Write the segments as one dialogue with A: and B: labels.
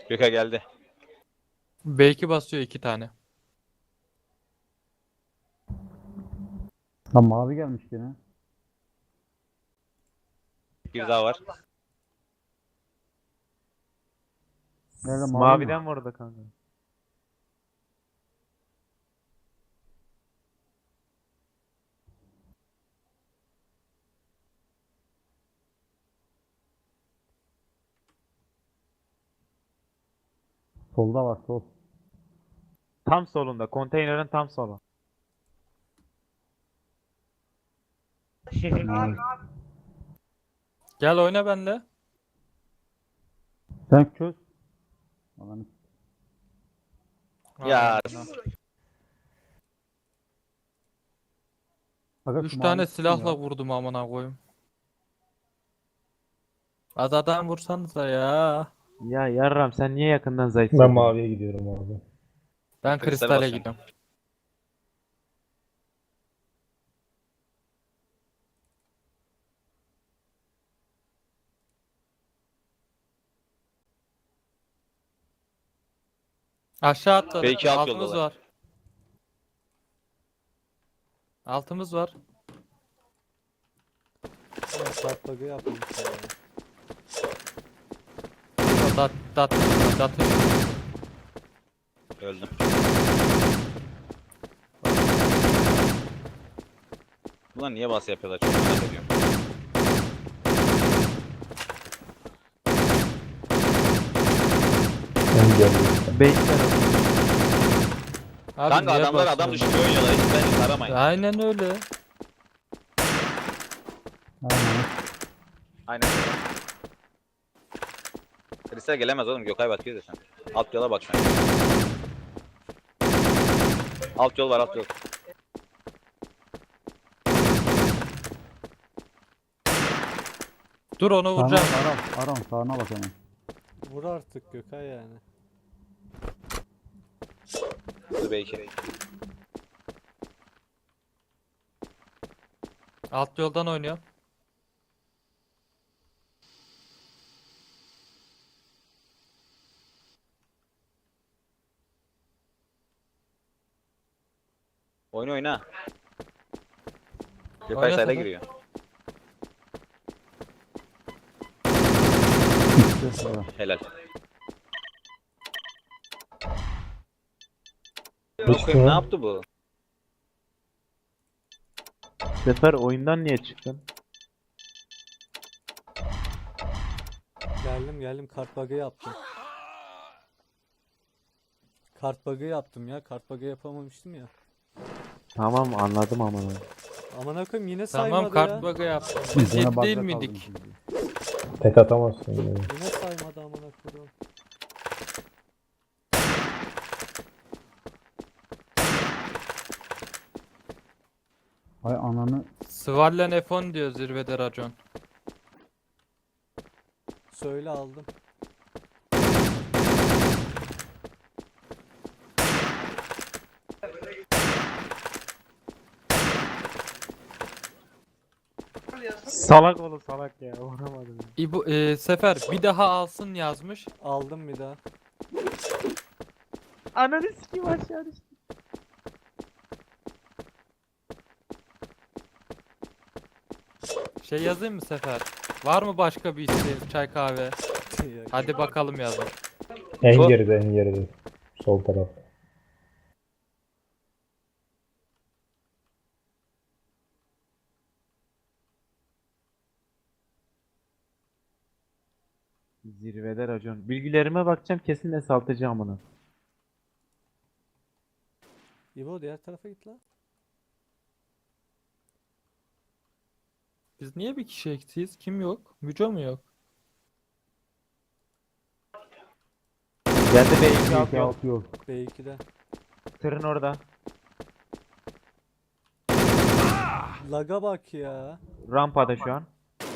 A: Gökay geldi.
B: B2 basıyor 2 tane.
C: Ha mavi gelmiş gene.
A: Bir daha var.
C: Nerede mavi mi?
D: Maviden vurdu kanka.
C: Solda var sol.
D: Tam solunda. Konteynerin tam solu.
C: Mavi.
B: Gel oyna benimle.
C: Sen çöz. Alanı.
A: Ya
C: Aga,
B: 3
C: şu
B: tane
C: mavi
B: silahla
C: ya.
B: vurdum amına koyayım. Az adam vursanıza ya.
D: Ya yarram sen niye yakından zayıf?
E: Ben maviye gidiyorum abi.
B: Ben
A: Kristale
B: kristale
A: basıyorum.
B: gidiyorum. Aşağı atladı.
A: Belki alt
B: Altımız
A: yoldalar.
B: var. Altımız var.
F: Kart bug'ı yapmamışlar ya.
B: Dat.
A: Öldüm. Ulan niye bas yapıyorlar? Çok merak ediyorum.
E: Ben geliyorum.
D: Beyler
B: Abi
A: Kanka
B: niye
A: adamlar adam
B: basıyorsun?
A: düşürüyor oynuyorlar. Hiç beni aramayın.
B: Aynen öyle.
C: Aynen.
A: Aynen. Kristal gelemez oğlum. Gökay bakıyor da sen. Alt yola bak sen. Alt yol var, alt yol.
B: Dur onu
C: Sağına
B: vuracağım.
C: bak Aram sağına bak hemen.
F: Vur artık Gökay yani.
A: Dur belki.
B: Alt yoldan oynuyor.
A: Oyna oyna. Gökay
B: Oyna
A: sayda
B: Sefer.
A: giriyor.
C: İşte sonra.
A: Helal.
E: Düştü
A: Bakayım ne
E: mü?
A: yaptı bu?
D: Sefer oyundan niye çıktın?
F: Geldim kart bug'ı yaptım. Kart bug'ı yaptım ya. Kart bug'ı yapamamıştım ya.
D: Tamam anladım ama.
F: Aman koyayım yine
B: Tamam
F: saymadı
B: kart
F: ya.
B: bug'ı yaptım. Biz
C: Gene
B: 7 değil
C: bug'da
B: miydik?
C: kaldım şimdi.
E: Tek atamazsın yani.
F: Yine saymadı aman koyayım.
C: Ay ananı.
B: Svallen F10 diyor zirvede racon.
F: Söyle aldım.
D: Salak oğlum salak ya. Vuramadım.
B: Sefer bir daha alsın yazmış.
F: Aldım bir daha.
D: Ananı sikeyim aşağı düştü.
B: Şey yazayım mı Sefer? Var mı başka bir isteğin? Çay kahve.
F: Ya,
B: Hadi bakalım yazmış.
E: En geride en geride. Sol taraf.
D: Zirvede racon. Bilgilerime bakacağım kesin de saltacağım onu.
F: İbo diğer tarafa git lan.
B: Biz niye bir kişi eksiyiz? Kim yok? Müco mu yok?
D: Geldi B2 alt
C: İki
D: yol.
C: alt yol.
F: B2'de.
D: Tırın orada.
F: Laga bak ya.
D: Rampada şu an.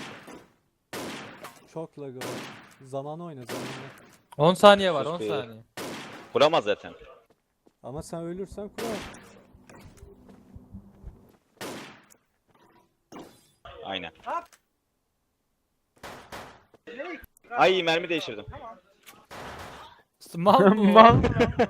F: Çok laga var. Zaman oyna zamanla.
B: 10 saniye var,
A: Sus
B: 10
A: be.
B: saniye.
A: Kuramaz zaten.
F: Ama sen ölürsen kurar.
A: Aynen. Ay mermi değiştirdim.
B: Mal bu.
D: Mal.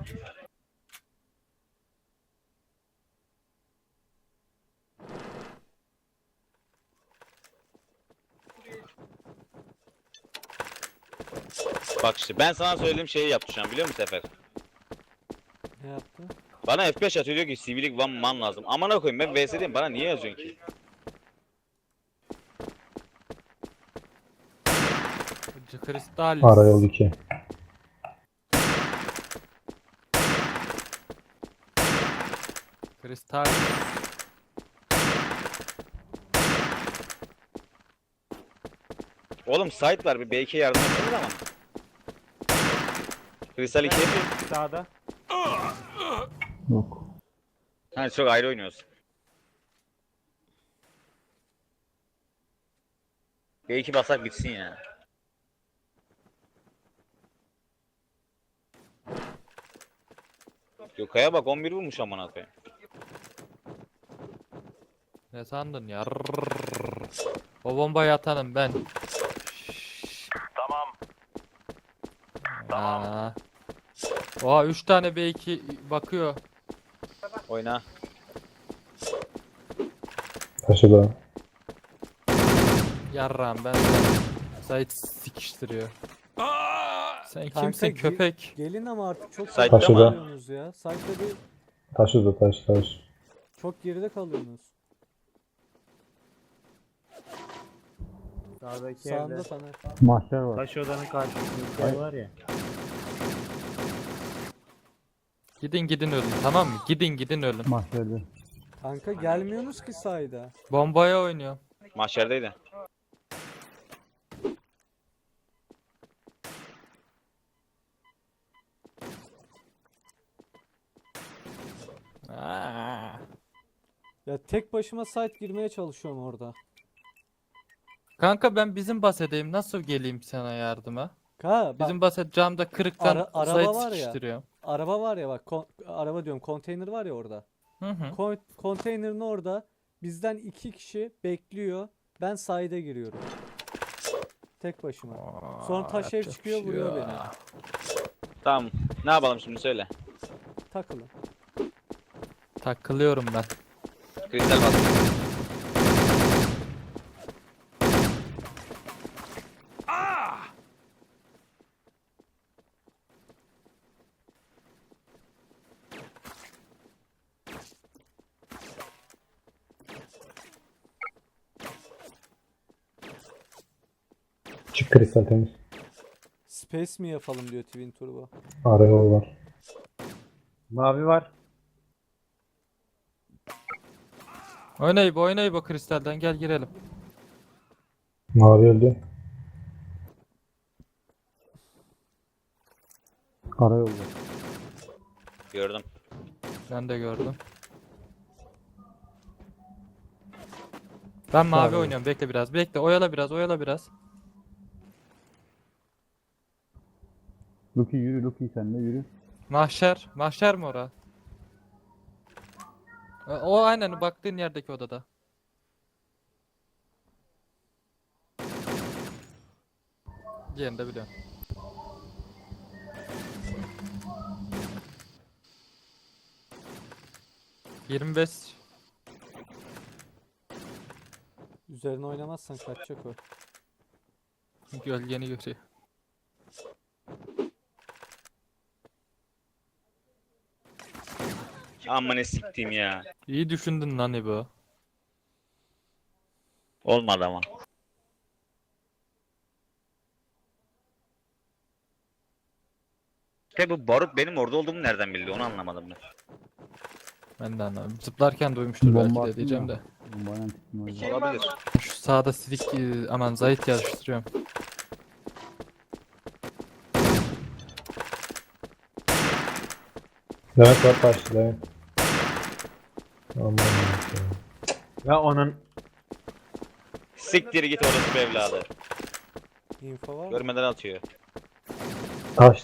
A: Bak işte ben sana söylediğim şeyi yaptı şu an biliyor musun Sefer?
F: Ne yaptı?
A: Bana F5 atıyor diyor ki sivilik one man lazım. Amına koyayım ben VS'deyim bana niye yazıyorsun ki?
B: Kristal.
E: Arayol 2.
B: Kristal.
A: Oğlum site var bir B2'ye yardım etseniz ama. Kristal 2.
D: Sağda.
C: yok.
A: Ha çok ayrı oynuyoruz. B2 basak bitsin ya. Gökay'a bak 11 vurmuş amına koyayım.
B: Ne sandın ya? O bombayı atanım ben. Tamam. Oha 3 tane B2 bakıyor.
A: Oyna.
E: Taşıda.
B: Yarram ben. Sait sikiştiriyor. Sen
F: Kanka,
B: kimsin köpek?
F: Gelin ama artık çok
A: Site'da
F: geride
E: mı?
F: kalıyorsunuz ya. Site'da değil.
E: Taşıda taş.
F: Çok geride kalıyorsunuz.
D: Sağdaki
F: Sağında
D: evde.
F: Taner.
C: Mahşer var.
D: Taş odanın karşısındaki ev var ya.
B: Gidin ölün tamam mı? Gidin ölün.
C: Mahşerde.
F: Kanka gelmiyorsunuz ki sayda.
B: Bombaya oynuyor.
A: Mahşerdeydi.
B: Aa.
F: Ya tek başıma site girmeye çalışıyorum orada.
B: Kanka ben bizim basedeyim. Nasıl geleyim sana yardıma?
F: Bak,
B: Bizim baset camda kırıktan
F: araba
B: Sait
F: var ya.
B: sikiştiriyor.
F: araba var ya bak araba diyorum konteyner var ya orada.
B: Hı hı.
F: Konteynerin orada bizden 2 kişi bekliyor. Ben sahide giriyorum. Tek başıma. Sonra taş ev
B: yapacak
F: çıkıyor
B: bir şey
F: vuruyor
B: yok.
F: beni.
A: Tamam. Ne yapalım şimdi söyle.
F: Takılın.
B: Takılıyorum ben.
A: Kristal bas.
E: Çık kristal temiz.
F: Space mi yapalım diyor Twin Turbo.
E: Arayol var.
D: Mavi var.
B: Oynayıp o kristalden gel girelim.
E: Mavi öldü.
C: Karayolda.
A: Gördüm.
B: Ben de gördüm. Ben mavi
E: Sağ ol.
B: oynuyorum. Bekle biraz. Bekle. Oyala biraz.
C: Luki yürü, Luki sen de yürü.
B: Mahşer. Mahşer mi ora? O aynen baktığın yerdeki odada. Diğerini de biliyorum. ...25...
F: Üzerine oynamazsan kaçacak o.
B: Gölgeni görüyor.
A: Amma ne siktiğim ya.
B: İyi düşündün lan İbo.
A: Olmadı ama. İşte bu barut benim orada olduğumu nereden bildi onu anlamadım ben.
B: Ben de anlamadım. Zıplarken duymuştur belki
C: Bomba
B: de
C: attın
B: diyeceğim
C: ya.
B: de.
C: Bombayla tuttum öyle.
A: Olabilir.
B: Şu sağda silik aman zayıf yarıştırıyorum.
E: Levent var taşlı Levent. Aman Allah'ım.
D: Ya onun
A: Siktir git orası evladı.
F: Info var mı?
A: Görmeden atıyor.
E: Taş.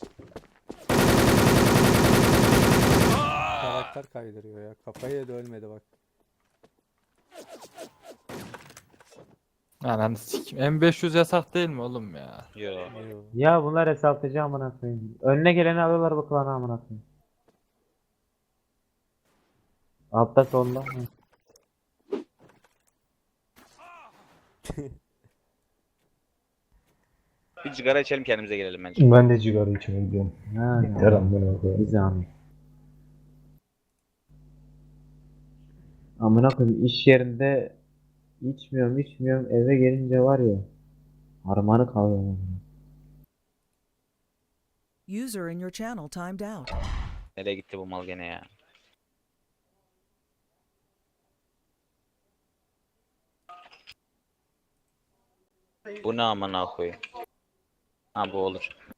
F: Karakter kaydırıyor ya. Kafayı yedi ölmedi bak.
B: Ananı sikeyim. M500 yasak değil mi oğlum ya?
A: Yo.
F: Yo.
D: Ya bunlar hesaltıcı amına koyayım. Önüne geleni alıyorlar bu klanı amına koyayım. Altta solda. Hı.
A: Bir sigara içelim kendimize gelelim bence.
E: Ben de cigara içmeye gidiyorum.
D: Ha,
E: Yeter amına koyayım.
D: Bir zahmet. Amına koyayım iş yerinde içmiyorum eve gelince var ya harmanı kalıyor amına.
G: User in your channel timed out.
A: Nereye gitti bu mal gene ya? Bu ne amına koyayım? Ha bu olur.